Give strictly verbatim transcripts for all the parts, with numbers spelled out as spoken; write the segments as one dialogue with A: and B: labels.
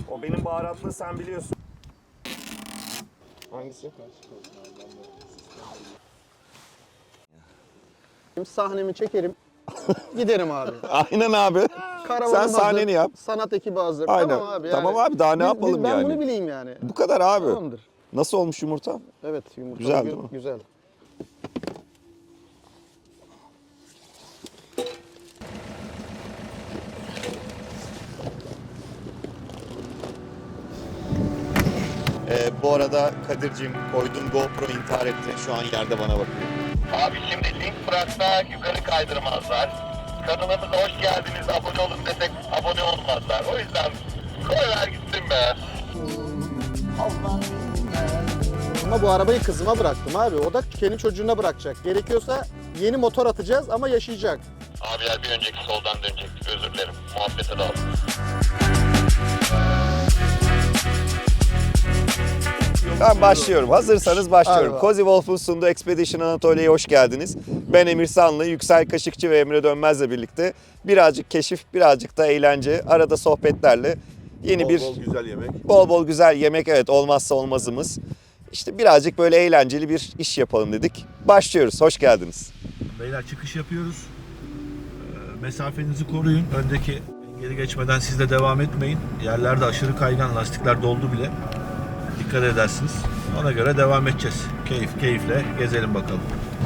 A: O benim baharatlı, sen biliyorsun. Hangisi?
B: Sahnemi çekerim. Giderim abi.
A: Aynen abi.
B: Karavanım
A: Sen
B: hazır,
A: sahneni yap.
B: Sanat ekibi hazır.
A: Aynen.
B: Tamam abi. Yani.
A: Tamam abi, daha ne
B: Biz-
A: yapalım
B: biz- ben
A: yani?
B: Ben bunu bileyim yani.
A: Bu kadar abi.
B: Tamamdır.
A: Nasıl olmuş yumurta?
B: Evet, yumurta
A: Güzel
B: gü-
A: değil mi?
B: Güzel.
A: Ee, bu arada Kadir'cim koyduğum GoPro intihar etti. Şu an yerde bana bakıyor.
C: Abi şimdi link bıraksak yukarı kaydırmazlar. Kanalımıza hoş geldiniz, abone olun desek abone olmazlar. O yüzden koyver gitsin be.
B: Ama bu arabayı kızıma bıraktım abi. O da kendi çocuğuna bırakacak. Gerekiyorsa yeni motor atacağız ama yaşayacak.
C: Abiler bir önceki soldan dönecektik, özür dilerim. Muhabbete daldım.
A: Ben başlıyorum. Hazırsanız başlıyorum.
B: Hadi
A: Cozy Wolf'un sunduğu Expedition Anatolia'ya hoş geldiniz. Ben Emir Sanlı, Yüksel Kaşıkçı ve Emre Dönmez'le birlikte birazcık keşif, birazcık da eğlence, arada sohbetlerle yeni
D: Bol
A: bir
D: bol güzel yemek.
A: bol bol güzel yemek, evet, olmazsa olmazımız. İşte birazcık böyle eğlenceli bir iş yapalım dedik. Başlıyoruz. Hoş geldiniz.
D: Beyler çıkış yapıyoruz. Ee, Mesafenizi koruyun. Öndeki engeli geçmeden siz de devam etmeyin. Yerlerde aşırı kaygan, lastikler doldu bile. Dikkat edersiniz. Ona göre devam edeceğiz. Keyif keyifle gezelim bakalım.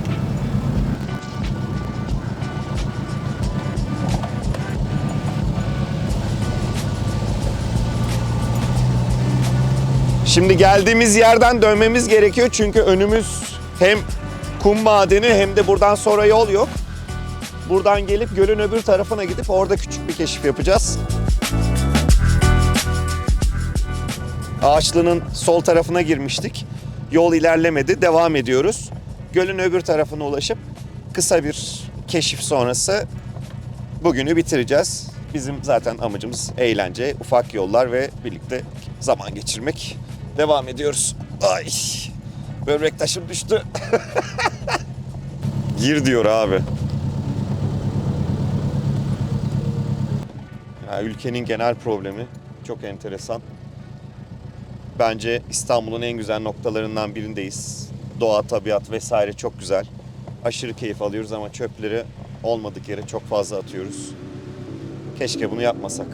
A: Şimdi geldiğimiz yerden dönmemiz gerekiyor çünkü önümüz hem kum madeni hem de buradan sonra yol yok. Buradan gelip gölün öbür tarafına gidip orada küçük bir keşif yapacağız. Ağaçlı'nın sol tarafına girmiştik. Yol ilerlemedi, devam ediyoruz. Gölün öbür tarafına ulaşıp kısa bir keşif sonrası bugünü bitireceğiz. Bizim zaten amacımız eğlence, ufak yollar ve birlikte zaman geçirmek. Devam ediyoruz. Ay, böbrek taşım düştü. Gir diyor abi. Ya, ülkenin genel problemi çok enteresan. Bence İstanbul'un en güzel noktalarından birindeyiz. Doğa, tabiat vesaire çok güzel. Aşırı keyif alıyoruz ama çöpleri olmadık yere çok fazla atıyoruz. Keşke bunu yapmasak.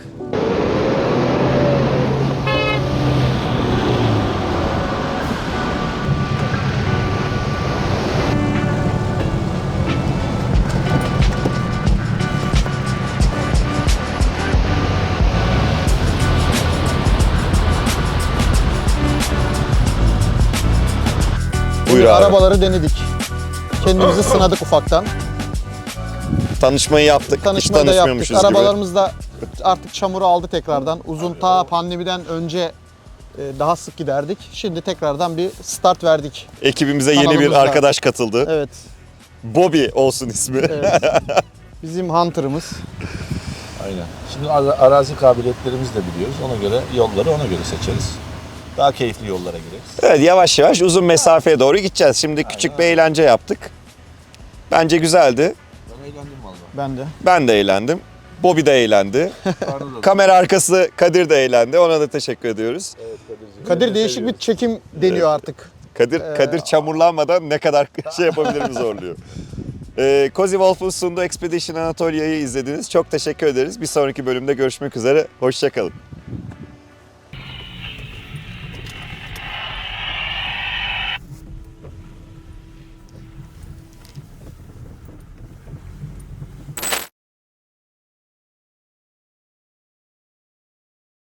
A: Buyur abi.
B: Arabaları denedik. Kendimizi sınadık ufaktan.
A: Tanışmayı yaptık. Hiç
B: Tanışmayı da yaptık.
A: tanışmıyormuşuz gibi.
B: Arabalarımız da artık çamuru aldı tekrardan. Uzun ta pandemiden önce e, daha sık giderdik. Şimdi tekrardan bir start verdik.
A: Ekibimize yeni bir
B: Kanalımızda.
A: arkadaş katıldı.
B: Evet.
A: Bobby olsun ismi.
B: Evet. Bizim Hunter'ımız.
D: Aynen. Şimdi ara- arazi kabiliyetlerimizi de biliyoruz. Ona göre yolları ona göre seçeriz. Daha keyifli yollara gireriz.
A: Evet, yavaş yavaş uzun mesafeye doğru gideceğiz. Şimdi küçük bir eğlence yaptık. Bence güzeldi.
D: Ben eğlendim valla.
B: Ben de.
A: Ben de eğlendim. Bobby de eğlendi. Kamera arkası Kadir de eğlendi. Ona da teşekkür ediyoruz.
D: Evet Kadir'cim.
B: Kadir değişik bir çekim deniyor artık.
A: Kadir
B: Ee,
A: Kadir çamurlanmadan ne kadar şey yapabilirim zorluyor. Ee, Cozy Wolf'un sunduğu Expedition Anatolia'yı izlediniz. Çok teşekkür ederiz. Bir sonraki bölümde görüşmek üzere. Hoşça kalın.